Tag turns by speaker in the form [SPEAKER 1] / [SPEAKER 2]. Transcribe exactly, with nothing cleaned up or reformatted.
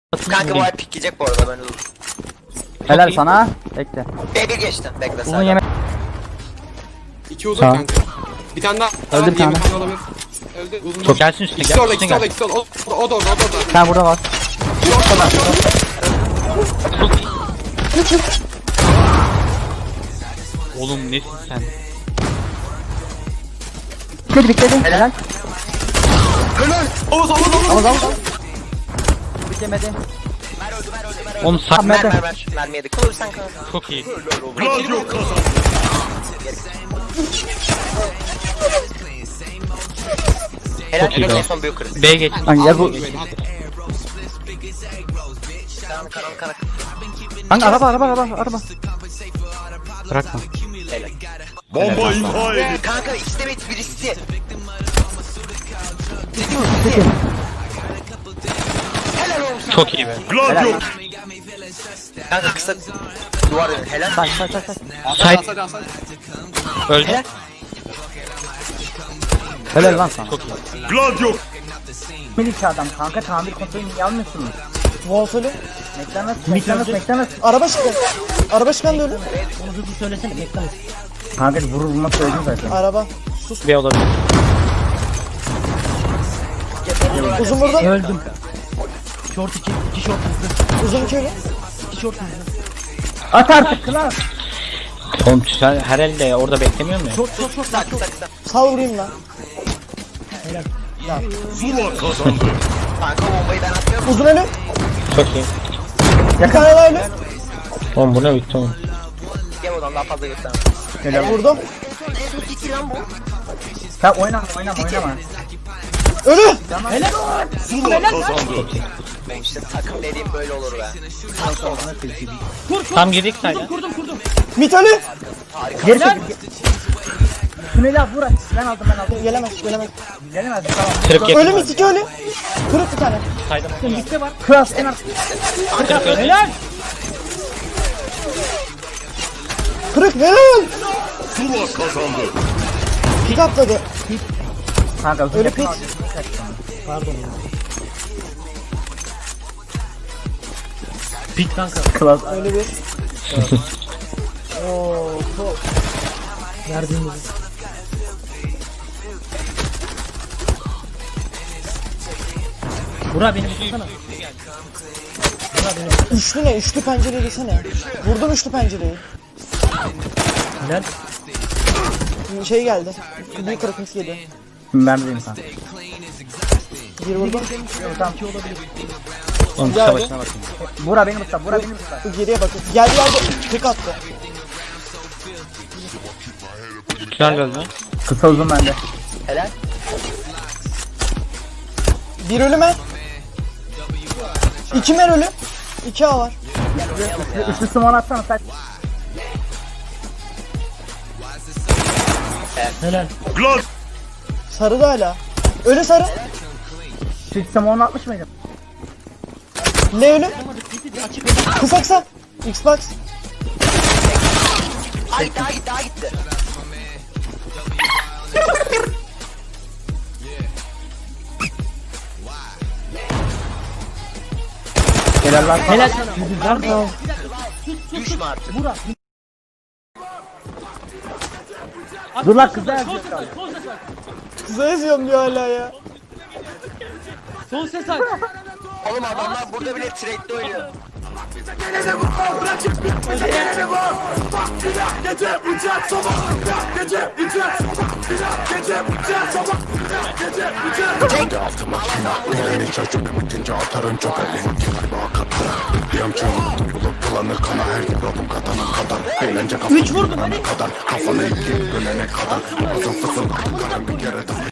[SPEAKER 1] Kanka bu ay pikleyecek bu arada ben dur.
[SPEAKER 2] Helal sana. Bekle.
[SPEAKER 1] B bir geçtim. Bekle
[SPEAKER 2] Uzun
[SPEAKER 1] sen.
[SPEAKER 2] yemek.
[SPEAKER 3] İki uzun
[SPEAKER 2] Tamam.
[SPEAKER 3] kanka. Bir tane daha.
[SPEAKER 2] Öldü
[SPEAKER 3] Tamam,
[SPEAKER 2] bir tane.
[SPEAKER 3] yemek olabilir. Öldü. Uzun.
[SPEAKER 4] Çok gelsin üstüne
[SPEAKER 3] İkisi
[SPEAKER 4] gel.
[SPEAKER 3] orada,
[SPEAKER 4] Üstüne
[SPEAKER 3] ikisi orada,
[SPEAKER 4] gel.
[SPEAKER 3] ikisi orada. O, o da orada, o da orada.
[SPEAKER 2] Sen burada var.
[SPEAKER 4] Oğlum nesin sen?
[SPEAKER 2] Bitledi bitledi. Helal.
[SPEAKER 3] Oğuz, Oğuz, Oğuz.
[SPEAKER 2] Al al al. Bitemedi.
[SPEAKER 4] Oğlum sak
[SPEAKER 2] Mer-
[SPEAKER 1] Mer mer mer. Mermi yedik. Kılıç sen kanka.
[SPEAKER 4] çok iyi.
[SPEAKER 1] Helal
[SPEAKER 4] iyi
[SPEAKER 1] helal
[SPEAKER 4] be.
[SPEAKER 1] en son büyük kırık.
[SPEAKER 4] B geç.
[SPEAKER 2] Lan gel bu.
[SPEAKER 1] Karan karan karan.
[SPEAKER 2] Hangi araba araba araba araba.
[SPEAKER 4] Bırakma.
[SPEAKER 1] Helal.
[SPEAKER 5] Bomba imha edildi.
[SPEAKER 1] Kanka ikisi de bit birisi. Helal olsun.
[SPEAKER 4] Çok iyi be.
[SPEAKER 5] Gladio.
[SPEAKER 1] Kanka kısa duvar önü. Helal.
[SPEAKER 2] Say say say say.
[SPEAKER 4] Sait
[SPEAKER 3] Hadi, hadi, hadi.
[SPEAKER 4] öldü.
[SPEAKER 1] Helal.
[SPEAKER 2] Helal lan sana.
[SPEAKER 4] Çok iyi.
[SPEAKER 5] Gladio.
[SPEAKER 2] Minik adam kanka tamir kontrolünü yanmıyorsunuz.
[SPEAKER 6] Wolf'ölü.
[SPEAKER 2] McDonald's McDonald's McDonald's.
[SPEAKER 6] Araba çıktı. Araba çıkan da ölü.
[SPEAKER 2] Onu hızlı söylesene McDonald's. Kanka vurur vurmak söyledim zaten.
[SPEAKER 6] Araba.
[SPEAKER 4] B olabilir.
[SPEAKER 6] Uzun burada.
[SPEAKER 2] Öldüm. Short iki, iki short hızlı.
[SPEAKER 6] Uzun iki ölü.
[SPEAKER 2] İki short hızlı. At artık klas.
[SPEAKER 4] Oğlum sen her elde orada beklemiyor musun?
[SPEAKER 2] Short short short.
[SPEAKER 1] Kısa kısa kısa.
[SPEAKER 6] Sal vurayım lan.
[SPEAKER 5] Zula kazandı.
[SPEAKER 1] Kanka bombayı ben atıyorum.
[SPEAKER 6] Uzun ölü.
[SPEAKER 4] Çok iyi.
[SPEAKER 6] Bir tane daha ölü.
[SPEAKER 4] Oğlum bu ne bitti oğlum.
[SPEAKER 1] Gel oradan daha fazla göstermem.
[SPEAKER 6] Vurdum.
[SPEAKER 1] En son iki lan bu.
[SPEAKER 2] Sen oynama oynama oynama.
[SPEAKER 6] Ölü.
[SPEAKER 5] Zula kazandı.
[SPEAKER 1] Benim işte takım dediğim böyle olur be.
[SPEAKER 4] Tam girdik sayda.
[SPEAKER 6] Mit ölü.
[SPEAKER 2] Geri çekil. Tüneli al vur at. Ben aldım ben aldım.
[SPEAKER 6] Gelemez, gelemez.
[SPEAKER 2] Gelemez tamam.
[SPEAKER 4] Kırık
[SPEAKER 6] Ölü
[SPEAKER 4] yakın.
[SPEAKER 6] mit iki ölü. Kırık bir tane.
[SPEAKER 4] Sayda.
[SPEAKER 2] Bitti var. Klas en artık.
[SPEAKER 4] Kırık öldü.
[SPEAKER 2] Helal.
[SPEAKER 6] Kırık helal.
[SPEAKER 5] Zula kazandı.
[SPEAKER 6] Pit atladı.
[SPEAKER 2] Kanka uzun
[SPEAKER 6] Ölü
[SPEAKER 2] yakın
[SPEAKER 6] pit.
[SPEAKER 2] al. Pardon. Pit kanka. Klas.
[SPEAKER 6] Ölü bir. Oo, çok.
[SPEAKER 2] Verdiğimiz. Bura beni tutsana.
[SPEAKER 6] Üçlü ne? Üçlü pencereyi desene. Vurdum üçlü pencereyi.
[SPEAKER 2] Helal.
[SPEAKER 6] Şey geldi. Büyük kırık mis geliyor.
[SPEAKER 2] Ben bileyim kanka.
[SPEAKER 6] Bir vurdum.
[SPEAKER 2] Tamam.
[SPEAKER 4] Oğlum kısa başına bakayım.
[SPEAKER 2] Bura beni tutsa. Bura beni tutsa.
[SPEAKER 6] Geriye bakın. Geldi geldi. Tek attı.
[SPEAKER 4] Güzel öldü.
[SPEAKER 2] Kısa uzun bende.
[SPEAKER 1] Helal.
[SPEAKER 6] Bir ölü mer. İki mer ölü. İki A var.
[SPEAKER 2] Üçlü sumo atsana sen. Helal.
[SPEAKER 5] Gladio.
[SPEAKER 6] Sarı da hala. Ölü sarı.
[SPEAKER 2] Üçlü sumo atmış mıydın?
[SPEAKER 6] Ne ölü? Kısa kısa. Xbox.
[SPEAKER 1] Ay daha gitti daha gitti.
[SPEAKER 2] Helal lan. Helal sana.
[SPEAKER 1] Düşme artık.
[SPEAKER 2] Dur lan kıza yazıyor.
[SPEAKER 6] Kıza yazıyorum diyor hala ya.
[SPEAKER 1] Oğlum adamlar burada bile trade'de oynuyor.
[SPEAKER 7] Kendi altı makina Elini çocuğum bitince atarım çok elini Kibar katlı Yamçım bulup bulanır kana her yer oğlum katanın kadar Eğlence kafanı kadar Kafanı ikiye bölene kadar Uzun fısın karın bir kere de